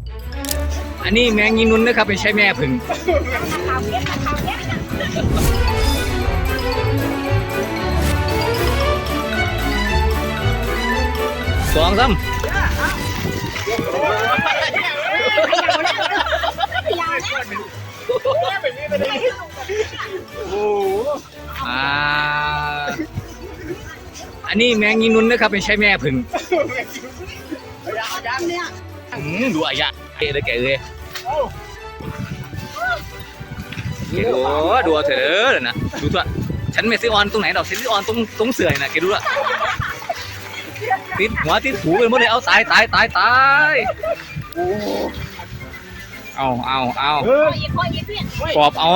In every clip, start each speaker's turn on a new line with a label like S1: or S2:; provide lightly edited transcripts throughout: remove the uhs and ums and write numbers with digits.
S1: อันนี้แมงยีนุ้นนะครับไม่ใช่แม่ผึ่งสองซ้ำอันนี้แมงยีนุ้นนะครับไม่ใช่แม่ผึ่งดูอายะเก๋เลยเก๋เลยดูเถอะนะดูตัวฉันไม่ซื้อออนตรงไหนดอกซื้อออนตรงเสื่อยนะเก๋ดูละติดหัวติดหูเลยหมดเลยเอาตายเอากรอบเอา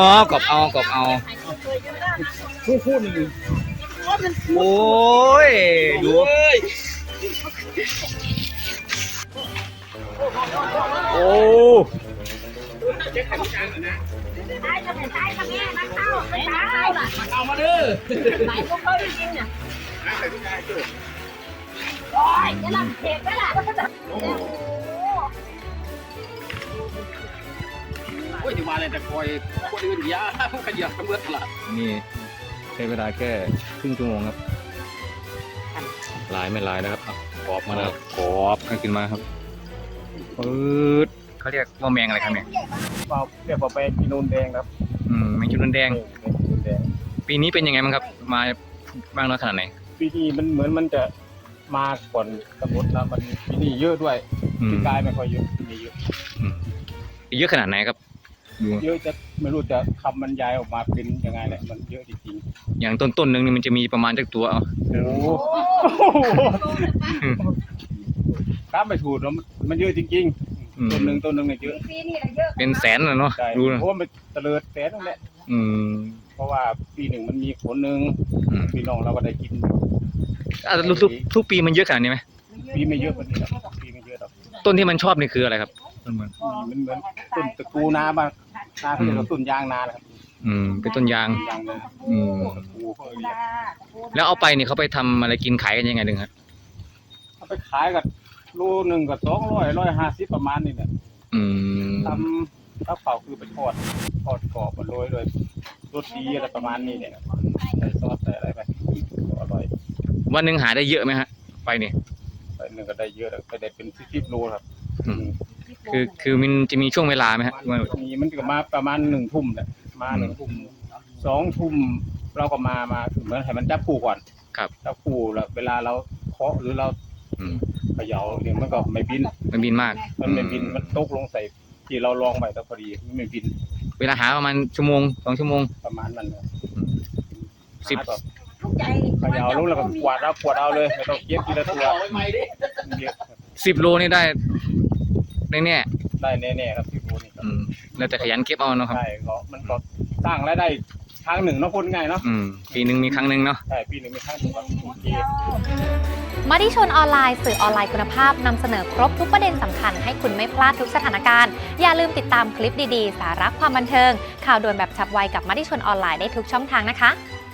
S1: พูดหนึ่งโอ้ยดูโอ้เอามาดื้อไหนพวกเขาจริงเนี่ยโอ้ยจะลำเทปได้ล่ะโอ้ยจะมาอะไรแต่คอยคนอื่นยาขยับกันเมื่อไหร่นี่ใช้เวลาแค่ครึ่งชั่วโมงครับลายไม่ลายนะครับกรอบมาแล้วกรอบขึ้นมาครับเขาเรียกว่าแมงอะไรครับเนี่ย
S2: เรียกว่าแมงจีนูนแดงครับ
S1: แมงจีนูนแดงปีนี้เป็นยังไงบ้างครับมาบ้างน้อยขนาดไหน
S2: ปีนี้มันเหมือนมันจะมาก่อนกำหนดแล้วมันปีนี้เยอะด้วยปีกายไม่ค่อยเยอะปีนี้เยอะ
S1: เยอะขนาดไหนครับ
S2: เยอะจะไม่รู้จะคำบรรยายออกมาเป็นยังไงแหละมันเยอะจริง
S1: ๆอย่างต้นนึงนี่มันจะมีประมาณจักตัว
S2: ครับไม่ถูกแล้วมันเยอะจริงๆต้นหนึ่งเนี่ยเยอะ
S1: เป็นแสนเลยเนาะ
S2: ดูนะเพราะว่ามันเตลิดแสนนั่นแหละเพราะว่าปีหนึ่งมันมีผลหนึ่งพี่น้องเราก็ได้กิน
S1: ทุกปีมันเยอะขนาดนี้ไหม
S2: ปีไม่เยอะกว่านี้ปีไม่เยอะหรอก
S1: ต้นที่มันชอบนี่คืออะไรครับ
S2: มันเหมือนต้นตะกูนาบ้างนาเขาเรียกว่าต้นยางนาครับ
S1: เป็นต้นยางแล้วเอาไปนี่เขาไปทำอะไรกินขายกันยังไงดึงครับ
S2: เอาไปขายกับโลนึงกับ200-150ประมาณนี้แหละทำข้าวเผาคือไปทอดกรอบมาโรยด้วยรสดีอะไรประมาณนี้เนี่ยใส่ซอสใส่อะไรไปอร่อย
S1: วันหนึ่งหาได้เยอะไหมฮะไปนี่
S2: ไปหนึ่งก็ได้เยอะไปได้เป็น10 โลครับ
S1: คือมันจะมีช่วงเวลาไหมฮะ
S2: มีมันก็มาประมาณ1 ทุ่มแหละมา1 ทุ่ม2 ทุ่มเราก็มาเหมือนให้มันจับคู่ก่อน
S1: ครับ
S2: จับคู่แล้วเวลาเราเคาะหรือเราเขย่าเนี่ยมันก็ไม่บิน
S1: มาก
S2: มันไม่บินมันตกลงใส่ที่เราลองไปแต่พอดีไม่บิน
S1: เวลาหาประมาณ1 ชั่วโมง 2 ชั่วโมง
S2: ประมาณนั้น
S1: 10
S2: เขย่าลงแล้วก็กวาดเอาเลยไม่ต้องเก็บทีละตัว
S1: 10 โลนี่ได้แน่
S2: ครับ10 โลนี่
S1: แล้วแต่ขยันเก็บเอาเนาะครับ
S2: ใช่มันก็สร้างรายได้ครั้งหนึ่งเนาะคนง่ายเนาะ
S1: ปีนึงมีครั้งหนึ่งเนาะ
S2: ใช่ปีนึงมีครั้งหนึ่ง
S3: มติชนออนไลน์สื่อออนไลน์คุณภาพนำเสนอครบทุกประเด็นสำคัญให้คุณไม่พลาดทุกสถานการณ์อย่าลืมติดตามคลิปดีๆสาระความบันเทิงข่าวด่วนแบบฉับไวกับมติชนออนไลน์ได้ทุกช่องทางนะคะ